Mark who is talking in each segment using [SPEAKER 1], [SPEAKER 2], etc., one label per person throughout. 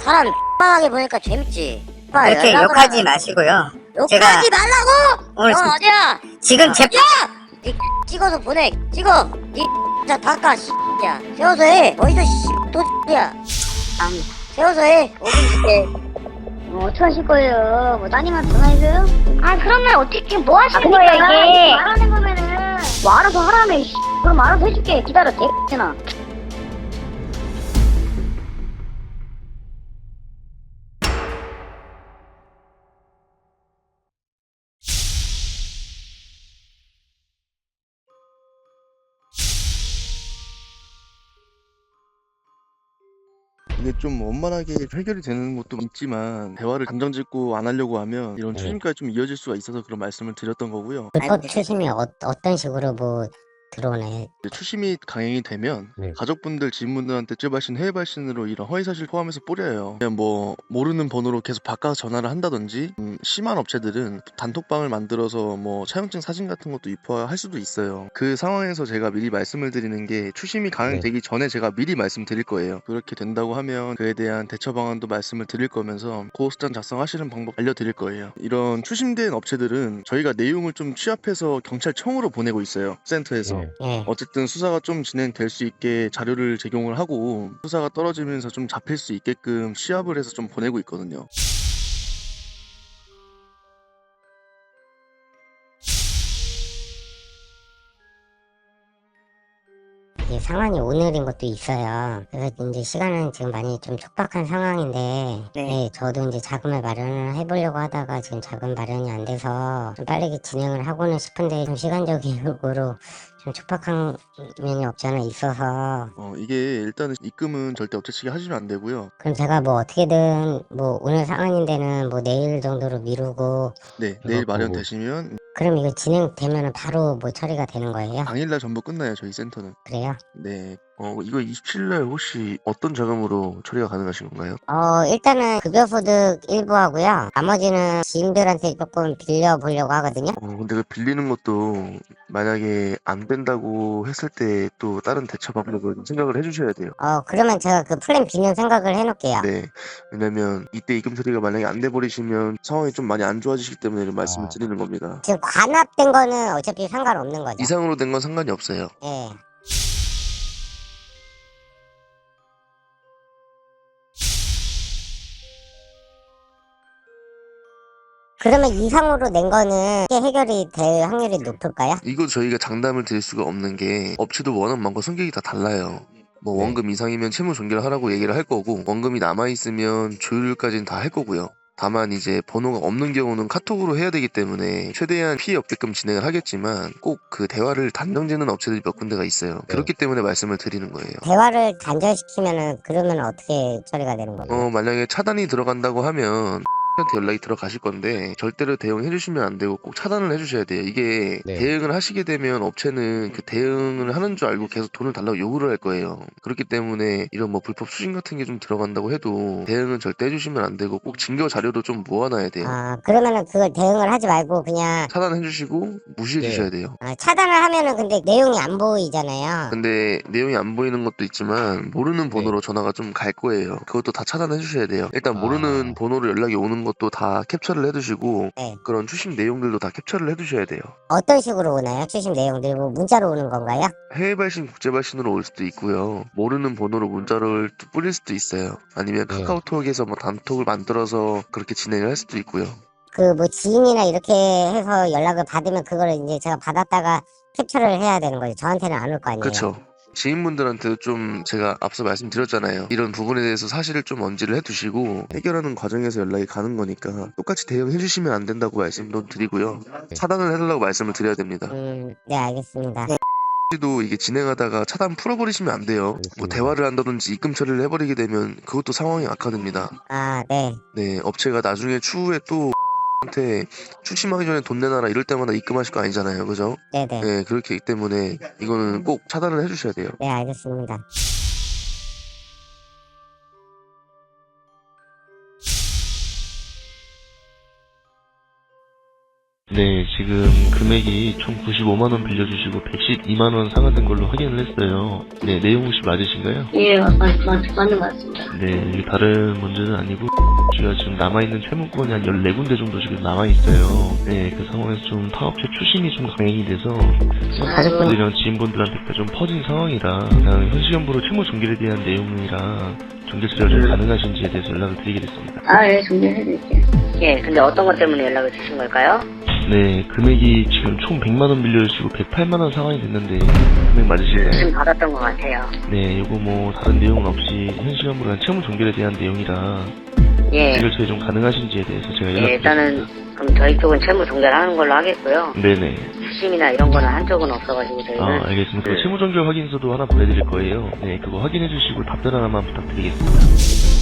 [SPEAKER 1] 사람 X하게 보니까 재밌지.
[SPEAKER 2] 그렇게 욕하지 마시고요.
[SPEAKER 1] 욕하지 말라고!
[SPEAKER 2] 오늘
[SPEAKER 1] 너 어디야?
[SPEAKER 2] 지금 제
[SPEAKER 1] 어디야? 니 찍어서 보내. 찍어. 니 진짜 닦아 야. 세워서 해. 어디서 또 야. 세워서 해. 5분 줄게.
[SPEAKER 3] 어떡하실 거예요? 뭐 따님한테 전화해줘요?
[SPEAKER 4] 아 그러면 어떻게 뭐 하시는
[SPEAKER 3] 그러니까
[SPEAKER 4] 거예요 이게?
[SPEAKER 3] 말하는 거면은 뭐 알아서 하라며. 그럼 알아서 해줄게. 기다려 개X나.
[SPEAKER 5] 이게 좀 원만하게 해결이 되는 것도 있지만 대화를 감정 짓고 안 하려고 하면 이런 추심까지 좀 이어질 수가 있어서 그런 말씀을 드렸던 거고요.
[SPEAKER 2] 불법 추심이 어떤 식으로 뭐 들어오나요?
[SPEAKER 5] 추심이 강행이 되면 가족분들, 지인분들한테 발신, 해외 발신으로 이런 허위사실 포함해서 뿌려요. 그냥 뭐 모르는 번호로 계속 바꿔서 전화를 한다든지 심한 업체들은 단톡방을 만들어서 뭐 차용증 사진 같은 것도 유포할 수도 있어요. 그 상황에서 제가 미리 말씀을 드리는 게 추심이 강행되기 전에 제가 미리 말씀드릴 거예요. 그렇게 된다고 하면 그에 대한 대처 방안도 말씀을 드릴 거면서 고소장 작성하시는 방법 알려드릴 거예요. 이런 추심된 업체들은 저희가 내용을 좀 취합해서 경찰청으로 보내고 있어요. 센터에서.
[SPEAKER 2] 예.
[SPEAKER 5] 어쨌든 수사가 좀 진행될 수 있게 자료를 제공을 하고 수사가 떨어지면서 좀 잡힐 수 있게끔 시합을 해서 좀 보내고 있거든요.
[SPEAKER 2] 이게 상황이 오늘인 것도 있어요. 그래서 이제 시간은 지금 많이 좀 촉박한 상황인데, 네, 저도 이제 자금을 마련을 해보려고 하다가 지금 자금 마련이 안 돼서 좀 빠르게 진행을 하고는 싶은데 좀 시간적으로 좀 촉박한 면이 없지 않아 있어서
[SPEAKER 5] 이게 일단은 입금은 절대 업체 측에 하시면 안 되고요.
[SPEAKER 2] 그럼 제가 뭐 어떻게든 뭐 오늘 상황인데는 뭐 내일 정도로 미루고
[SPEAKER 5] 네, 내일 마련되시면
[SPEAKER 2] 그럼 이거 진행되면은 바로 뭐 처리가 되는 거예요?
[SPEAKER 5] 당일날 전부 끝나요, 저희 센터는.
[SPEAKER 2] 그래요?
[SPEAKER 5] 네. 이거 27일날 혹시 어떤 자금으로 처리가 가능하신 건가요?
[SPEAKER 2] 일단은 급여소득 일부 하고요. 나머지는 지인들한테 조금 빌려보려고 하거든요.
[SPEAKER 5] 근데 그 빌리는 것도 만약에 안 된다고 했을 때 또 다른 대처 방법을 생각을 해주셔야 돼요.
[SPEAKER 2] 그러면 제가 그 플랜 B는 생각을 해놓을게요.
[SPEAKER 5] 네. 왜냐면 이때 입금 처리가 만약에 안 돼버리시면 상황이 좀 많이 안 좋아지기 때문에 이런 말씀을 드리는 겁니다.
[SPEAKER 2] 지금 관합된 거는 어차피 상관없는 거죠.
[SPEAKER 5] 이상으로 된 건 상관이 없어요.
[SPEAKER 2] 예. 그러면 이상으로 낸 거는 해결이 될 확률이 높을까요?
[SPEAKER 5] 이거 저희가 장담을 드릴 수가 없는 게 업체도 워낙 많고 성격이 다 달라요. 뭐 원금 이상이면 채무 종결하라고 얘기를 할 거고 원금이 남아있으면 조율까지는 다 할 거고요. 다만 이제 번호가 없는 경우는 카톡으로 해야 되기 때문에 최대한 피해 없게끔 진행을 하겠지만 꼭 그 대화를 단정짓는 업체들이 몇 군데가 있어요. 그렇기 때문에 말씀을 드리는 거예요.
[SPEAKER 2] 대화를 단절시키면은 그러면 어떻게 처리가 되는 거예요?
[SPEAKER 5] 만약에 차단이 들어간다고 하면 한테 연락이 들어가실 건데 절대로 대응해 주시면 안 되고 꼭 차단을 해 주셔야 돼요. 이게 대응을 하시게 되면 업체는 그 대응을 하는 줄 알고 계속 돈을 달라고 요구를 할 거예요. 그렇기 때문에 이런 뭐 불법 수신 같은 게 좀 들어간다고 해도 대응은 절대 해 주시면 안 되고 꼭 증거 자료도 좀 모아놔야 돼요.
[SPEAKER 2] 그러면은 그걸 대응을 하지 말고 그냥
[SPEAKER 5] 차단해 주시고 무시해 주셔야 돼요.
[SPEAKER 2] 차단을 하면은 근데 내용이 안 보이잖아요.
[SPEAKER 5] 근데 내용이 안 보이는 것도 있지만 모르는 번호로 전화가 좀 갈 거예요. 그것도 다 차단해 주셔야 돼요. 일단 모르는 번호로 연락이 오는 것도 다 캡처를 해두시고
[SPEAKER 2] 네.
[SPEAKER 5] 그런 추심 내용들도 다 캡처를 해두셔야 돼요.
[SPEAKER 2] 어떤 식으로 오나요? 추심 내용들이 뭐 문자로 오는 건가요?
[SPEAKER 5] 해외 발신, 국제 발신으로 올 수도 있고요. 모르는 번호로 문자를 뿌릴 수도 있어요. 아니면 카카오톡에서 뭐 단톡을 만들어서 그렇게 진행을 할 수도 있고요.
[SPEAKER 2] 그 뭐 지인이나 이렇게 해서 연락을 받으면 그거를 이제 제가 받았다가 캡처를 해야 되는 거죠. 저한테는 안 올 거 아니에요.
[SPEAKER 5] 그렇죠. 지인분들한테도 좀 제가 앞서 말씀드렸잖아요. 이런 부분에 대해서 사실을 좀 언지를 해두시고 해결하는 과정에서 연락이 가는 거니까 똑같이 대응해 주시면 안 된다고 말씀도 드리고요. 차단을 해달라고 말씀을 드려야 됩니다.
[SPEAKER 2] 네, 알겠습니다.
[SPEAKER 5] 도 이게 진행하다가 차단 풀어버리시면 안 돼요. 뭐 대화를 한다든지 입금 처리를 해버리게 되면 그것도 상황이 악화됩니다.
[SPEAKER 2] 네.
[SPEAKER 5] 네, 업체가 나중에 추후에 또 한테 추심하기 전에 돈 내놔라 이럴 때마다 입금하실 거 아니잖아요, 그죠?
[SPEAKER 2] 네네.
[SPEAKER 5] 네, 그렇기 때문에 이거는 꼭 차단을 해주셔야 돼요.
[SPEAKER 2] 네, 알겠습니다.
[SPEAKER 5] 네, 지금 금액이 총 95만원 빌려주시고 112만원 상환된 걸로 확인을 했어요. 네, 내용 혹시 맞으신가요?
[SPEAKER 3] 예, 맞는 것 같습니다.
[SPEAKER 5] 네, 이게 다른 문제는 아니고 저희가 지금 남아있는 채무권이 한 14군데 정도 지금 남아있어요. 네, 그 상황에서 좀 타업체 추심이 좀 강행이 돼서 가족분들이랑 지인분들한테 좀 퍼진 상황이라 그냥 현시연부로 채무 종결에 대한 내용이라 종결 처리가 좀 가능하신지에 대해서 연락을 드리게 됐습니다.
[SPEAKER 3] 아, 예, 종료해드릴게요.
[SPEAKER 1] 예, 근데 어떤 것 때문에 연락을 주신 걸까요?
[SPEAKER 5] 네, 금액이 지금 총 100만원 빌려주시고 108만원 상환이 됐는데 금액 맞으실까요?
[SPEAKER 1] 지금 받았던 것 같아요.
[SPEAKER 5] 네, 요거 뭐 다른 내용은 없이 현시연부로 한 채무 종결에 대한 내용이라
[SPEAKER 1] 예,
[SPEAKER 5] 종결 처리 좀 가능하신지에 대해서 제가
[SPEAKER 1] 예,
[SPEAKER 5] 연락드렸습니다.
[SPEAKER 1] 일단은 그럼 저희 쪽은 채무 종결하는 걸로 하겠고요.
[SPEAKER 5] 네네.
[SPEAKER 1] 수심이나 이런 거는 한쪽은 없어가지고 저희는.
[SPEAKER 5] 아, 알겠습니다. 그
[SPEAKER 1] 네.
[SPEAKER 5] 채무 종결 확인서도 하나 보내드릴 거예요. 네, 그거 확인해 주시고 답변 하나만 부탁드리겠습니다.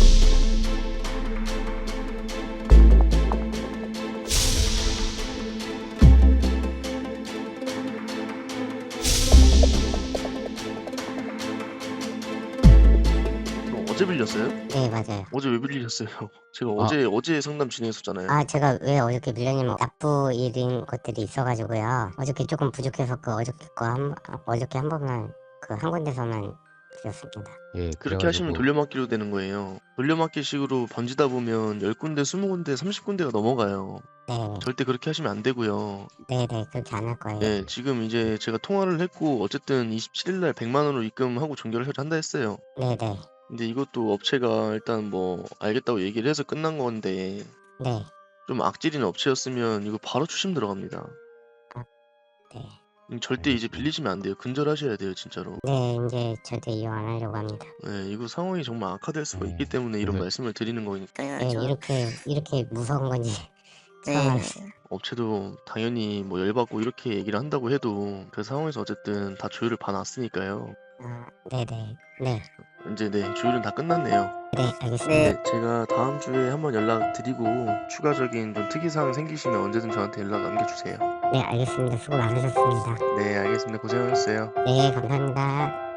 [SPEAKER 5] 어제 빌렸어요?
[SPEAKER 2] 네, 맞아요.
[SPEAKER 5] 어제 왜 빌리셨어요? 제가 어제 상담 진행했었잖아요.
[SPEAKER 2] 아, 제가 왜 어저께 밀려냐면 납부일인 것들이 있어가지고요. 어저께 조금 부족해서 어저께 한 번만 그 한 군데서만 드렸습니다.
[SPEAKER 6] 예,
[SPEAKER 5] 그렇게 하시면 돌려막기로 되는 거예요. 돌려막기식으로 번지다 보면 10군데, 20군데, 30군데가 넘어가요.
[SPEAKER 2] 네,
[SPEAKER 5] 절대 그렇게 하시면 안 되고요.
[SPEAKER 2] 네, 그렇게 안 할 거예요.
[SPEAKER 5] 네, 지금 이제 제가 통화를 했고 어쨌든 27일날 100만원으로 입금하고 종결을 한다 했어요.
[SPEAKER 2] 네.
[SPEAKER 5] 근데 이것도 업체가 일단 뭐 알겠다고 얘기를 해서 끝난 건데
[SPEAKER 2] 네.
[SPEAKER 5] 좀 악질인 업체였으면 이거 바로 추심 들어갑니다.
[SPEAKER 2] 네.
[SPEAKER 5] 절대 이제 빌리시면 안 돼요. 근절하셔야 돼요, 진짜로.
[SPEAKER 2] 네, 이제 절대 이용 안 하려고 합니다.
[SPEAKER 5] 네, 이거 상황이 정말 악화될 수가 있기 때문에 이런 말씀을 드리는 거니까.
[SPEAKER 2] 네, 이렇게 무서운 건지 처음
[SPEAKER 1] 네.
[SPEAKER 2] 알았어요.
[SPEAKER 5] 업체도 당연히 뭐 열받고 이렇게 얘기를 한다고 해도 그 상황에서 어쨌든 다 조율을 봐놨으니까요.
[SPEAKER 2] 아, 네네. 네,
[SPEAKER 5] 이제 네, 조율은 다 끝났네요.
[SPEAKER 2] 네, 알겠습니다.
[SPEAKER 5] 네, 제가 다음 주에 한번 연락드리고 추가적인 좀 특이사항 생기시면 언제든 저한테 연락 남겨주세요.
[SPEAKER 2] 네, 알겠습니다. 수고 많으셨습니다.
[SPEAKER 5] 네, 알겠습니다. 고생하셨어요.
[SPEAKER 2] 네, 감사합니다.